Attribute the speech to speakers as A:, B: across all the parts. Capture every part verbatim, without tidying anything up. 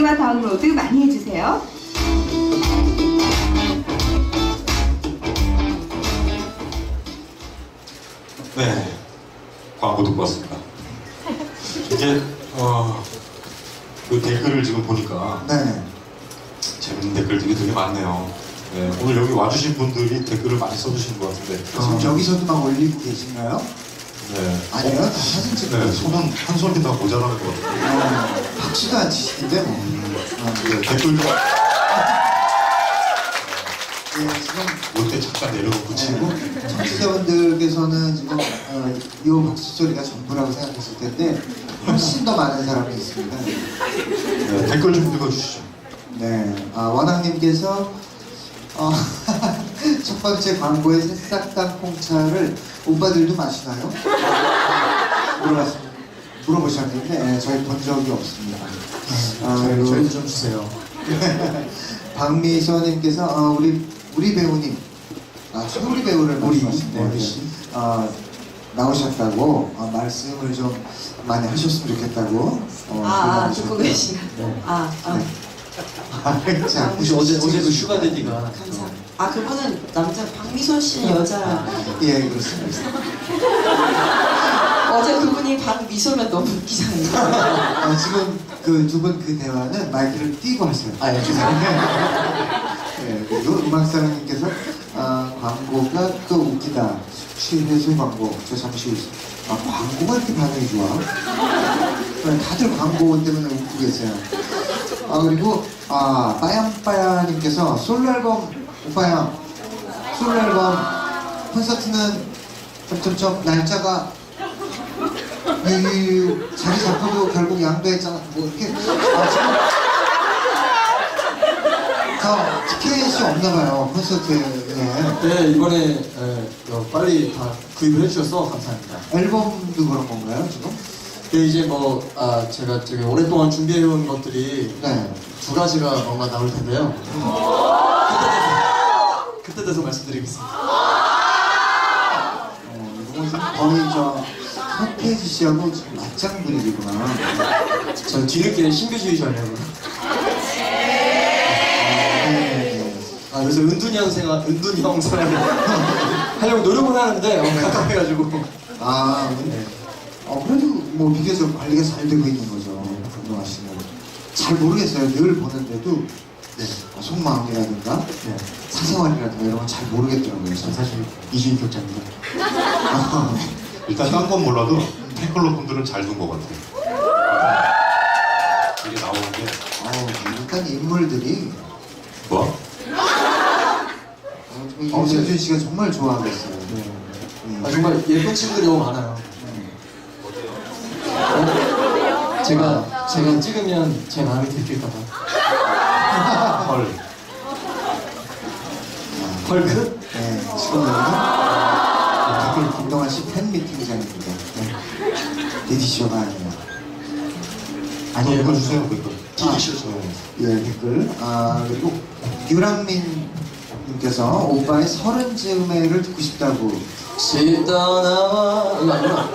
A: 공유와 다운로드 많이 해주세요.
B: 네, 광고 듣고 왔습니다. 이제 어, 그 댓글을 지금 보니까
C: 네.
B: 재밌는 댓글들이 되게 많네요. 네, 오늘 여기 와주신 분들이 댓글을 많이 써주시는 것 같은데.
C: 지금 여기서도 막 올리고 계신가요?
B: 네.
C: 아니요, 다 사진 찍고
B: 네,
C: 계세요.
B: 손은 한 손이 다 모자라는 것 같아요.
C: 어, 박수도 안 치시는데 뭐. 어,
B: 네, 댓글도
C: 네, 지금
B: 올 때 잠깐 내려놓고 치고.
C: 네, 청취자분들께서는 지금 어, 이 박수 소리가 전부라고 생각했을 텐데 훨씬 더 많은 사람이 있습니다.
B: 네, 댓글 좀 읽어주시죠.
C: 네, 아, 원학님께서 어, 첫 번째 광고에 새싹 땅콩차를 오빠들도 마시나요? 물어봤, 물어보셨는데 네, 저희 본 적이 없습니다. 아,
D: 저희,
C: 그리고
D: 저희도 좀 주세요.
C: 박미서님께서 어, 우리 우리 배우님, 아, 최우리 배우를
D: 우리,
C: 말씀하시네요.
D: 네,
C: 네. 어, 나오셨다고 어, 말씀을 좀 많이 하셨으면 좋겠다고. 어,
E: 아, 아
C: 그러셨는데.
E: 듣고 계시나?
D: 네.
E: 아, 아,
C: 네. 아, 자,
D: 혹시 어제 어제 그 슈가데디가
E: 감사. 아, 그분은 남자, 박미선 씨는 여자.
C: 예, 그렇습니다.
E: 어제 그분이 박미소면 너무 웃기잖아요.
C: 아, 지금 그 두 분 그 대화는 마이크를 띄고 하세요.
D: 아, 예, 죄송합니다.
C: 네, 그리고 음악사랑님께서 아, 광고가 또 웃기다. 취해수 광고. 저 잠시 아, 광고가 이렇게 반응이 좋아? 네, 다들 광고 때문에 웃고 계세요. 아, 그리고 아, 빠얀빠얀님께서 솔로 앨범 오빠야 솔로 앨범 콘서트는 점점점 날짜가 유유유 자리 잡고도 결국 양도했잖아. 뭐 이렇게 아, 지금 저 티켓이 없나봐요 콘서트에.
D: 네, 이번에 에, 어, 빨리 다 구입을 해주셔서 감사합니다.
C: 앨범도 그런 건가요 지금?
D: 네, 이제 뭐 아, 제가 되게 오랫동안 준비해온 것들이
C: 네.
D: 두 가지가 뭔가 나올 텐데요. 그때 돼서, 그때 돼서 말씀드리겠습니다.
C: 어, 이거 지금 거의 저 서태지 씨하고 지금 맞짱 분위기구나.
D: 저는 뒤늦게 신비주의자예요.
C: 네.
D: 아, 그래서 은둔이 형 생활, 은둔이 형 생활을 하려고 노력은 하는데 어, 가깝해가지고.
C: 아, 네. 어, 그래도 뭐 비교적 관리가 잘 되고 있는 거죠. 운동화 씨는. 잘 모르겠어요. 늘 보는데도
D: 네.
C: 어, 속마음이라든가
D: 네.
C: 사생활이라든가 이런 건 잘 모르겠더라고요.
D: 전 사실 이주인 격자입니다.
C: 아,
B: 일단 딴 건 몰라도 팬클럽 분들은 잘 둔 것 같아요. 이게 나오는 게
C: 어, 일단 인물들이
B: 뭐?
C: 어, 이세준 씨가 정말 좋아하고 있어요.
D: 네.
C: 음.
D: 아, 정말 예쁜 친구들이 너무 많아요. 어? 제가 제가 찍으면 제 마음이 들킬까봐.
B: 헐.
D: 헐크?
C: 네, 지금은 댓글 김동환 씨 팬미팅장입니다. 네. 디디쇼가 아니에요.
B: 아니 읽어주세요 그거.
D: 디디쇼죠.
C: 예, 댓글. 아, 그리고 유랑민 님께서 오빠의 서른 즈음에를 듣고 싶다고.
D: 집 떠나와 이거 아니구나.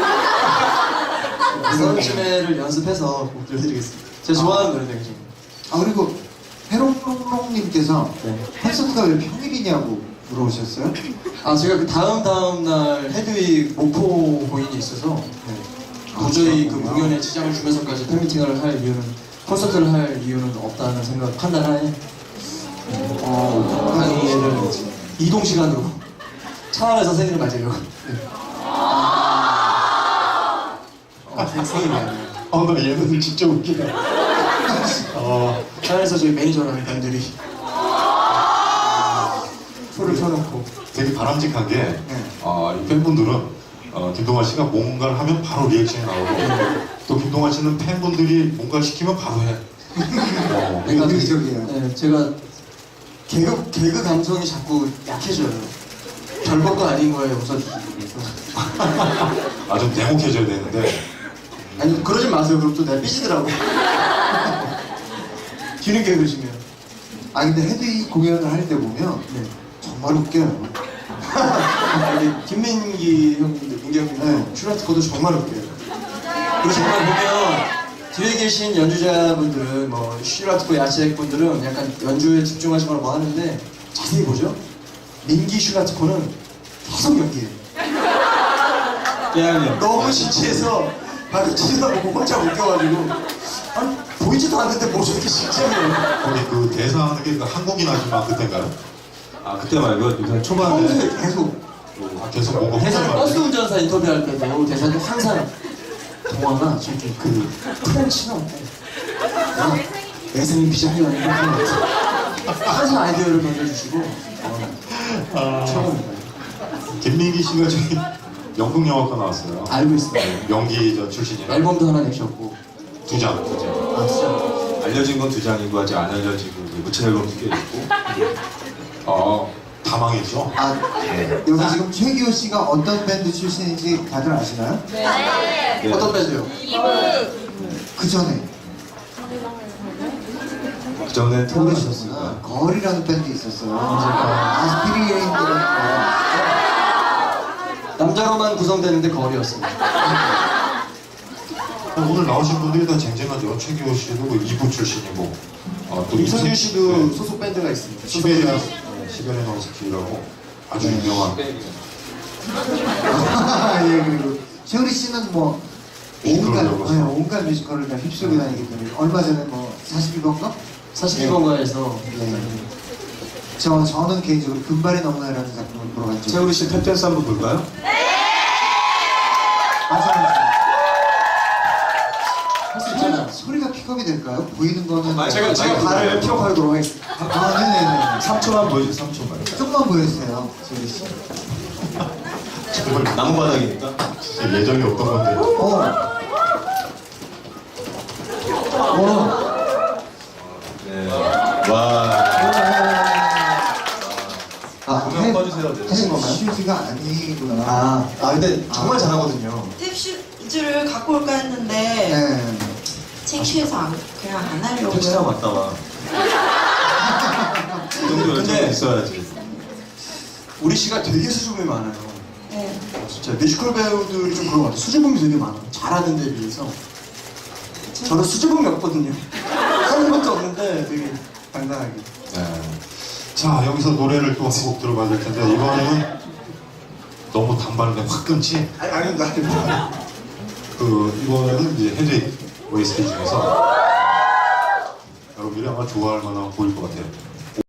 D: 서른쯤에를 연습해서 꼭 들려드리겠습니다. 제가 좋아하는 노래인데 지금.
C: 아, 그리고 해롱롱롱님께서
D: 네.
C: 콘서트가 왜 평일이냐고 물어보셨어요?
D: 아 제가 그 다음 다음 날 헤드윅 목포 공연이 있어서 네. 도저히 그 공연에 지장을 주면서까지 팬미팅을 할 이유는 콘서트를 할 이유는 없다는 생각 판단하에
C: 어,
D: 강의를 이동 시간으로 차 안에서 생일을 맞으려고. 네. 어, 생- 생일이 아니에요.
B: 어, 나 얘네들 진짜 웃기네. 어,
D: 차 안에서 저희 매니저라는 분들이 표를 펴놓고.
B: 되게 바람직한 게,
C: 네.
B: 어, 이 팬분들은 어, 김동완 씨가 뭔가를 하면 바로 리액션이 나오고, 또 김동완 씨는 팬분들이 뭔가를 시키면 바로 해. 어,
D: 그러니까
C: 의기적이에요.
D: 네, 제가 개그 개그 감성이 자꾸 약해져요. 별것도 아닌 거에 웃어주시고 그래서.
B: 아, 좀 냉혹해져야 되는데,
D: 아니 그러지 마세요. 그럼 또 내가 삐지더라고. 뒤늦게 그러시면.
C: 아, 근데 헤드윅 공연을 할 때 보면
D: 네.
C: 정말 웃겨요.
D: 아니, 김민기 형님들, 민기 형님들
C: 네.
D: 슈라트 거도 정말 웃겨요. 그리고 정말 보면 뒤에 계신 연주자분들은 뭐 슈라트코 야치ek 분들은 약간 연주에 집중하시거나 뭐 하는데 자세히 보죠. 민기 슈라트코는 계속 연기해요.
F: 깨알이요.
D: 너무 신기해서 바로 치다보고 혼자 웃겨가지고 아니 보이지도 않는데 뭐 저렇게 신기해요.
B: 거기 그 대사하는 게 그 한국인 아줌마 그때인가요?
F: 아 그때 말고 요새 초반에
D: 평소에 계속
B: 아, 계속 뭔가
D: 대사는
B: 혼자
D: 버스 운전사 인터뷰할 때도 대사는 항상 동화가 저기 그 프렌치나 어, 내생이 비자리가 있는 항상 아이디어를 던져주시고 어, 최고입니다.
B: 김민기 씨가 저기 연극영화과 나왔어요.
D: 알고 있어요.
B: 연기 저 출신이라
D: 앨범도 하나 내셨고
B: 두 장, 두 장.
D: 아 진짜
F: 알려진 건 두 장이고 아직 안 알려지고 이제 무채 앨범 두 개 있고
B: 어, 다 망했죠?
C: 아, 여기 지금 최기호 씨가 어떤 밴드 출신인지 다들 아시나요?
F: 네.
D: 어떤 밴드요?
C: 그 전에
F: 그 전에
C: 모르셨구나.
F: 모르셨습니다.
C: 거리라는 밴드 있었어요. 아스피리인이라는
D: 남자로만 구성되는데 거리였습니다.
B: 오늘 나오신 분들이 다 쟁쟁하죠. 최기호 씨도 그 이부 출신이고, 어, 또
D: 임성규
B: 임성-
D: 씨도
B: 네.
D: 소속 밴드가 있습니다.
B: 시베리아, 네, 시베리아 노스키라고 아주
C: 네.
B: 유명한.
C: 예, 그리고 최우리 씨는 뭐 온갖,
B: 뮤지컬을
C: 네, 온갖 뮤지컬을 다 휩쓸고 다니기 때문에 얼마 전에 뭐 사십일 번가?
D: 사십일 번가에서
C: 네. 저, 저는 개인적으로 금발이 넘나요라는 작품을 보러 갔죠.
F: 최우리 씨 탭댄스 한번 볼까요?
C: 맞아요.
D: 할 수 있잖아.
C: 소리가 픽업이 될까요? 보이는 거는
F: 아,
D: 제가 제가 발을 픽업하도록 하겠습니다.
C: 아, 네네네.
F: 삼 초만 보여주세요. 삼 초만.
C: 조금만 보여주세요, 최우리 씨.
B: 정말
F: 나무 바닥이니까.
B: 진짜 예정이 없던 건데.
C: 어. 어.
F: 네. 와.
C: 아,
F: 공연 꺼주세요. 네.
C: 하신 건가요? 슈즈가 아니구나.
D: 아, 아 근데 정말
C: 아.
D: 잘하거든요.
E: 탭슈즈를 갖고 올까 했는데
C: 네.
E: 창피해서 안, 그냥 안
F: 택시 타고
E: 하려고요.
F: 왔다 와. 이 정도
D: 근데-
F: 열정이 있어야지.
D: 우리 씨가 되게 수줍음이 많아요.
E: 네.
D: 진짜 뮤지컬 배우들이 좀 그런 것 같아요. 수줍음이 되게 많아요. 잘하는 데 비해서. 저는 수줍음이 없거든요. 하는 것도 없는데 되게 당당하게.
B: 네. 자, 여기서 노래를 또 한 곡 들어봐야 될 텐데, 이번에는 너무 단발인데 확 끊지?
D: 아니, 아닙니다. 아닙니다.
B: 그, 이번에는 이제 헤드윅 오에스티 중에서 여러분들이 아마 좋아할 만한 곡일 것 같아요.